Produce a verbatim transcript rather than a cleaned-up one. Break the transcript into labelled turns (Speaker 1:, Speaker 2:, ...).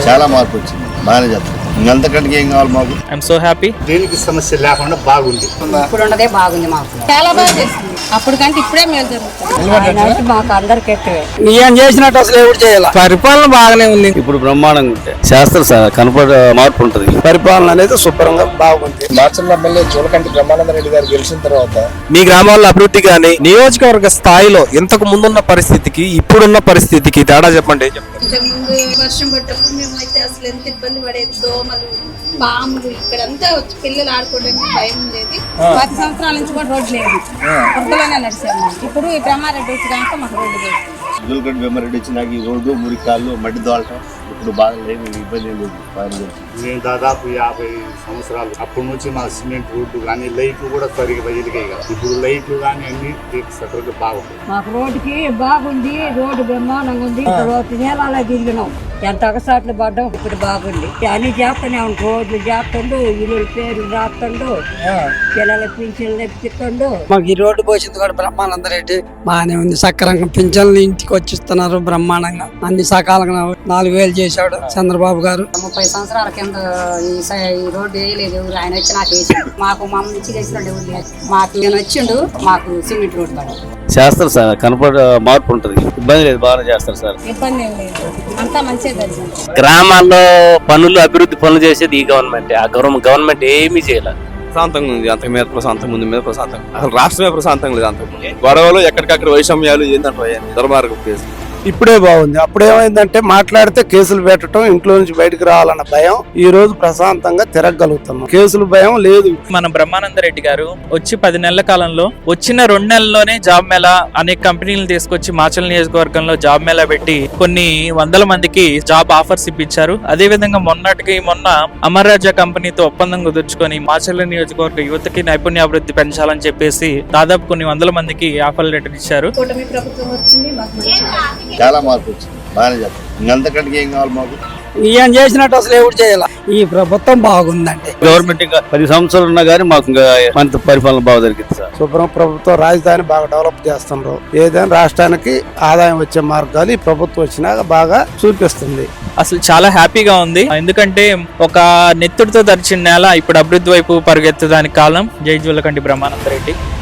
Speaker 1: చాలా మార్పు వచ్చింది, బాగానే చెప్తాను. ఇంకంతకంటే ఏం కావాలి మాకు?
Speaker 2: I'm so happy.
Speaker 3: దేనికి సమస్య లేకుండా బాగుంది.
Speaker 4: ఇప్పుడు ఉన్నదే బాగుంది, మాకు చాలా బాగా చేసింది. అప్పుడు కంటే ఇప్పుడే మేలు జరుగుతుంది. మాకు అందరికి ఎక్కువే
Speaker 5: ఏం చేసినట్టు అసలు ఎవరు చేయాలి. పరిపాలన బాగానే ఉంది,
Speaker 6: ఇప్పుడు బ్రహ్మాండంగా ఉంటాయి. శాస్త్ర కనపడ మార్పు ఉంటుంది.
Speaker 5: పరిపాలన అనేది శుభ్రంగా బాగుంది.
Speaker 7: మార్చల్ ఎమ్మెల్యే జోలకంటి బ్రహ్మానంద రెడ్డి గారు గెలిచిన తర్వాత
Speaker 8: మీ గ్రామాల్లో అభివృద్ధి కానీ నియోజకవర్గ స్థాయిలో ఇంతకు ముందున్న పరిస్థితికి ఇప్పుడున్న పరిస్థితికి తేడా చెప్పండి.
Speaker 9: ఇంతకుముందు వర్షం పడ్డప్పుడు మేము అయితే అసలు ఎంత ఇబ్బంది పడేది, దోమలు పాములు ఇక్కడంతా వచ్చి పిల్లలు ఆడుకోవడానికి భయం ఉండేది.
Speaker 4: పది సంవత్సరాల నుంచి కూడా రోడ్డు లేదు, వరదలోనే నడిచాము. ఇప్పుడు ఈ బ్రహ్మారెడ్డి వచ్చి కనుక మాకు రోడ్డు లేదు.
Speaker 1: జోలకంటి బ్రహ్మారెడ్డి వచ్చినాక ఈ రోడ్డు మురికాళ్ళు మట్టి దోలటం ఇప్పుడు బాగా లేదు, ఇబ్బంది లేదు.
Speaker 3: మేము దాదాపు యాభై సంవత్సరాలు అప్పటి నుంచి మా సిమెంట్ రోడ్డు కానీ లైట్లు కూడా సరిగ్గా ఎదిగాయి కదా. ఇప్పుడు లైట్లు కానీ అన్ని సరిగ్గా బాగుంది.
Speaker 4: మాకు రోడ్డుకి బాగుంది, రోడ్డు బ్రహ్మాండంగా ఉంది. నేలలో తిరిగినాం, ఎంత ఒకసాట్లు పడ్డాం. ఇప్పుడు బాగుంది, అన్ని చేస్తూనే ఉంటాం. రోడ్లు చేస్తుండు, ఇల్లు పేరు రాస్తుండు, పిల్లల పింఛన్లు తెప్పిస్తుండు.
Speaker 5: మాకు ఈ రోడ్డు పోసింది కూడా బ్రహ్మానంద రెడ్డి బాగానే ఉంది. సక్రంగా పింఛన్లు ఇంటికి వచ్చిస్తున్నారు బ్రహ్మాండంగా. అన్ని సకాలంగా నాలుగు వేలు చేశాడు చంద్రబాబు గారు.
Speaker 4: ముప్పై సంవత్సరాల కింద ఈ ఈ రోడ్డు వేయలేదు ఎవరు, ఆయన వచ్చి నాకు వేసిండు. మాకు మా నుంచి చేసినట్టు ఎవరు లేదు. మాకు నేను వచ్చిండు, మాకు సిమెంట్ రోడ్డు పడాలి.
Speaker 6: శాస్త్ర కనపడ మార్పు ఉంటుంది. ఇబ్బంది లేదు, బాగా చేస్తారు సార్.
Speaker 4: ఇబ్బంది ఏం లేదు, అంతా మంచిగా జరిగింది.
Speaker 6: గ్రామాల్లో పనులు అభివృద్ధి పనులు చేసేది ఈ గవర్నమెంట్. ఆ గవర్నమెంట్ ఏమీ చేయలేదు.
Speaker 8: ప్రశాంతంగా ఉంది, అంతకు మీద ప్రశాంతం ముందు మీద ప్రశాంతంగా. అసలు రాష్ట్రమే ప్రశాంతంగా లేదు. అంతకు గొడవలు ఎక్కడికక్కడ వైషమ్యాలు ఏంటంటే దుర్మార్గం కేసు.
Speaker 5: ఇప్పుడే బాగుంది. అప్పుడు ఏమైందంటే మాట్లాడితే కేసులు పెట్టడం, ఇంట్లో నుంచి బయటకు రావాలన్న భయం. ఈ రోజు ప్రశాంతంగా తిరగలుగుతున్నాం, కేసులు భయం లేదు.
Speaker 2: మన బ్రహ్మానంద రెడ్డి గారు వచ్చి పది నెలల కాలంలో వచ్చిన రెండు నెలల్లోనే జాబ్ మేళా అనేక కంపెనీలు తీసుకొచ్చి మాచల్ నియోజకవర్గంలో జాబ్ మేళా పెట్టి కొన్ని వందల మందికి జాబ్ ఆఫర్స్ ఇప్పించారు. అదే విధంగా మొన్నటికి మొన్న అమర్ రాజా కంపెనీతో ఒప్పందం కుదుర్చుకొని మాచల్ నియోజకవర్గ యువతకి నైపుణ్యాభివృద్ధి పెంచాలని చెప్పేసి దాదాపు కొన్ని వందల మందికి ఆఫర్ లెటర్ ఇచ్చారు.
Speaker 9: కూటమి ప్రభుత్వం వచ్చింది, మాకు
Speaker 1: చాలా మార్పు వచ్చింది, బాగానే చెప్తాను. ఇంకంతకంటే ఏం కావాలి మాకు?
Speaker 5: ఏం చేసినట్టు అసలు ఎవరు చేయాలి. ఈ ప్రభుత్వం బాగుందంటే
Speaker 6: గవర్నమెంట్ ఇంకా పది సంవత్సరాలు ఉన్నా కానీ మాకు ఇంకా మంచి పరిపాలన బాగా జరిగింది సార్.
Speaker 5: శుభ్రం ప్రభుత్వం రాజధాని బాగా డెవలప్ చేస్తున్నారు. ఏదైనా రాష్ట్రానికి ఆదాయం వచ్చే మార్గాలు ఈ ప్రభుత్వం వచ్చినాక బాగా చూపిస్తుంది.
Speaker 2: అసలు చాలా హ్యాపీగా ఉంది, ఎందుకంటే ఒక నెత్తుడితో తరిచిన నేల ఇప్పుడు అభివృద్ధి వైపు పరుగెత్తడానికి కాలం. జై జోలకంటి బ్రహ్మానంద రెడ్డి.